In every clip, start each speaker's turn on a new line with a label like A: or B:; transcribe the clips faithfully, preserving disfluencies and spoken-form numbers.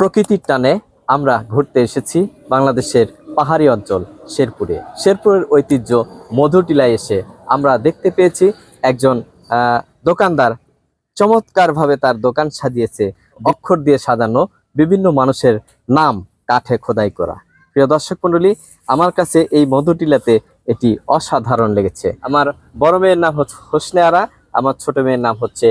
A: প্রকৃতির টানে আমরা ঘুরতে এসেছি বাংলাদেশের পাহাড়ি অঞ্চল শেরপুরে। শেরপুরের ঐতিহ্য মধুটিলায় এসে আমরা দেখতে পেয়েছি একজন দোকানদার চমৎকারভাবে তার দোকান সাজিয়েছে, অক্ষর দিয়ে সাজানো বিভিন্ন মানুষের নাম কাঠে খোদাই করা। প্রিয় দর্শক মণ্ডলী, আমার কাছে এই মধুটিলাতে এটি অসাধারণ লেগেছে। আমার বড় মেয়ের নাম হচ্ছে হোসনে আরা, আমার ছোট মেয়ের নাম হচ্ছে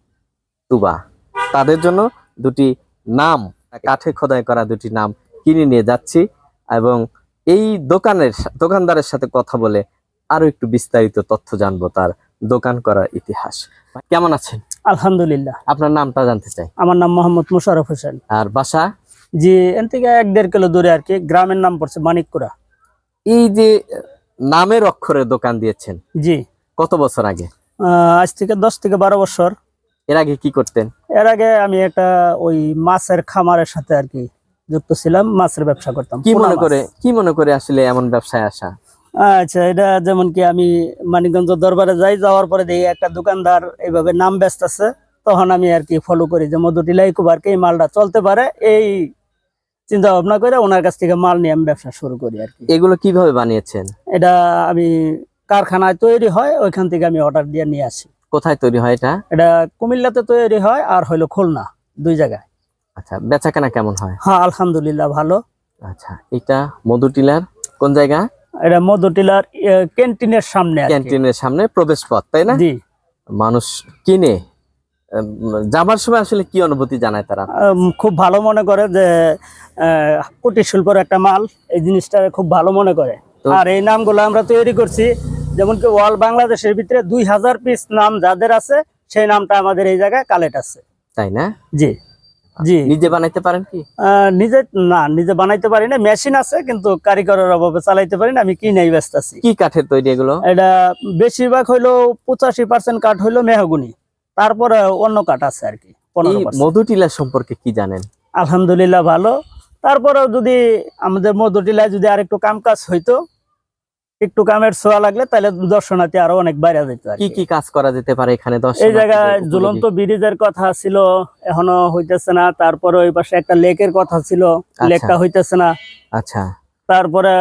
A: তুবা। তাদের জন্য দুটি নাম, কাঠে খোদাই করা দুটি নাম কিনে নিয়ে যাচ্ছি এবং এই দোকানের দোকানদারের সাথে কথা বলে আরো একটু বিস্তারিত তথ্য জানবো তার দোকান করার ইতিহাস। কেমন আছেন?
B: আলহামদুলিল্লাহ।
A: আপনার নামটা জানতে চাই।
B: আমার নাম মোহাম্মদ মোশাররফ হোসেন।
A: আর বাসা?
B: জি, এন থেকে এক দেড় কিলো দূরে আর কি। গ্রামের নাম পড়ছে মানিকপুরা।
A: এই যে নামের অক্ষরের দোকান দিয়েছেন,
B: জি,
A: কত বছর আগে?
B: আজ থেকে দশ থেকে বারো বছর।
A: এর আগে কি করতেন?
B: এর আগে আমি একটা ওই মাছের খামারের সাথে আর কি যুক্ত ছিলাম, মাছের ব্যবসা করতাম।
A: কি মনে করে কি মনে করে আসলে এমন ব্যবসায় আসা?
B: আচ্ছা, এটা যেমন কি আমি মানিকগঞ্জ দরবারে যাই, যাওয়ার পরে দেখি একটা দোকানদার এইভাবে নাম ব্যস্ত আছে, তখন আমি আর কি ফলো করি যে মধুটিলা ইকোপার্কে এই মালটা চলতে পারে, এই চিন্তা ভাবনা করে ওনার কাছ থেকে মাল নিয়ে আমি ব্যবসা শুরু করি আর কি।
A: এগুলো কিভাবে বানিয়েছেন?
B: এটা আমি কারখানায় তৈরি হয়, ওইখান থেকে আমি অর্ডার দিয়ে নিয়ে আসি।
A: কোথায় তৈরি হয় এটা?
B: এটা কুমিল্লাতে তৈরি হয় আর হইলো খুলনা, দুই জায়গায়।
A: আচ্ছা, বেচাকেনা কেমন হয়?
B: হ্যাঁ, আলহামদুলিল্লাহ ভালো।
A: আচ্ছা, এটা মধুটিলার কোন জায়গা?
B: এটা মধুটিলার ক্যান্টিনের সামনে।
A: ক্যান্টিনের সামনে প্রবেশ পথ, তাই না?
B: জি।
A: মানুষ কিনে যাবার সময় আসলে কি অনুভূতি জানায় তারা?
B: খুব ভালো মনে করে যে কুটির শিল্পের একটা মাল, এই জিনিসটা খুব ভালো মনে করে। আর এই নামগুলো আমরা তৈরি করছি, যেমন কি ওয়াল বাংলাদেশের ভিতরে দুই হাজার পিস নাম যাদের আছে, সেই নামটা আমাদের এই জায়গায় কালেক্ট আছে।
A: তাই না?
B: জি জি।
A: নিজে বানাইতে পারেন কি?
B: নিজে না, নিজে বানাইতে পারি না, মেশিন আছে কিন্তু কারিগরের অভাবে চালাইতে পারি না, আমি কিনেই ব্যস্ত আছি।
A: কি কাঠের তৈরি এগুলো?
B: এটা বেশিরভাগ হইলো পঁচাশি পার্সেন্ট কাঠ হইলো মেহগুনি, তারপরে অন্য কাঠ আছে আর কি।
A: মধুটিলা সম্পর্কে কি জানেন?
B: আলহামদুলিল্লাহ ভালো। তারপরেও যদি আমাদের মধুটিলায় যদি আর একটু কাম কাজ হইতো, একটু কামের ছোঁয়া লাগলে, তাহলে দর্শনার্থী আরো অনেক বাইরে যেত।
A: কি কি কাজ করা যেতে পারে এখানে?
B: এই জায়গায় ঝুলন্ত ব্রিজের কথা ছিল, এখনো হইতেছে না। তারপরে ওই পাশে একটা লেকের কথা ছিল, লেকটা হইতেছে না।
A: আচ্ছা।
B: তারপরে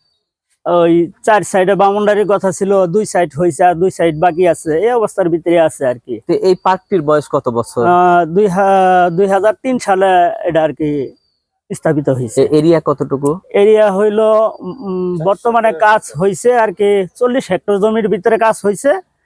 B: ওই চার সাইডে বাউন্ডারির কথা ছিল, দুই সাইড হয়েছে আর দুই সাইড বাকি আছে, এই অবস্থার ভিতরে আছে আর কি।
A: এই পার্কটির বয়স কত বছর?
B: দুই দুই হাজার তিন সালে এটা আর কি স্থাপিত হয়েছে।
A: এরিয়া কতটুকু?
B: এরিয়া হইলো বর্তমানে কাজ হয়েছে আর কি চল্লিশ হেক্টর জমির ভিতরে কাজ হয়েছে।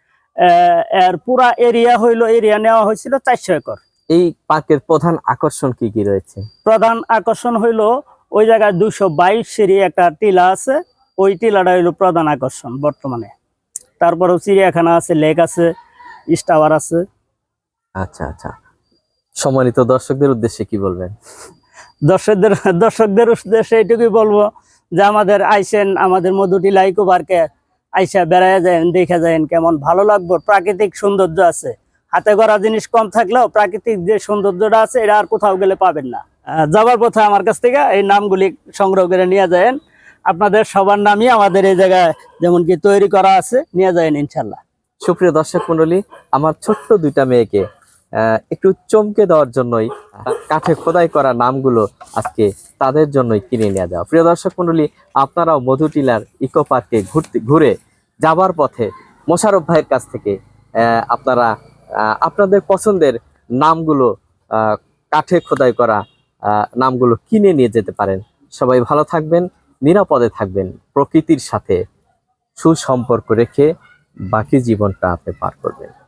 B: এর পুরা এরিয়া হইলো, এরিয়া নেওয়া হয়েছিল চারশো একর।
A: এই পার্কের প্রধান আকর্ষণ কি কি রয়েছে?
B: প্রধান আকর্ষণ হইলো ওই জায়গায় দুইশো বাইশ সিঁড়ি একটা টিলা আছে, ওই টিলাটা হইলো প্রধান আকর্ষণ বর্তমানে। তারপরেও চিড়িয়াখানা আছে, লেক আছে, টাওয়ার আছে। আচ্ছা
A: আচ্ছা, সম্মানিত দর্শকদের উদ্দেশ্যে কি বলবেন?
B: দর্শকদের দর্শকদের উদ্দেশ্যে এইটুকুই বলবো যে আমাদের আইসেন, আমাদের মধুটিলা ইকোপার্কে আইসা বেড়ায় যায়, দেখে যায়, কেমন ভালো লাগবে। প্রাকৃতিক সৌন্দর্য আছে, হাতে গড়া জিনিস কম থাকলেও প্রাকৃতিক যে সৌন্দর্যটা আছে এটা আর কোথাও গেলে পাবেন না। যাবার পথে আমার কাছ থেকে এই নামগুলি সংগ্রহ করে নিয়ে যায়, আপনাদের সবার নামই আমাদের এই জায়গায় যেমন কি তৈরি করা আছে, নিয়ে যায় ইনশাল্লাহ।
A: সুপ্রিয় দর্শক মন্ডলী, আমার ছোট্ট দুইটা মেয়েকে একটু চমকে দেওয়ার জন্যই কাঠে খোদাই করা নামগুলো আজকে তাদের জন্যই কিনে নিয়ে যাওয়া। প্রিয় দর্শক মন্ডলী, আপনারাও মধুটিলার ইকো পার্কে ঘুরতে ঘুরে যাবার পথে মোশাররফ ভাইয়ের কাছ থেকে আপনারা আপনাদের পছন্দের নামগুলো, কাঠে খোদাই করা নামগুলো কিনে নিয়ে যেতে পারেন। সবাই ভালো থাকবেন, নিরাপদে থাকবেন, প্রকৃতির সাথে সুসম্পর্ক রেখে বাকি জীবনটা আপনি পার করবেন।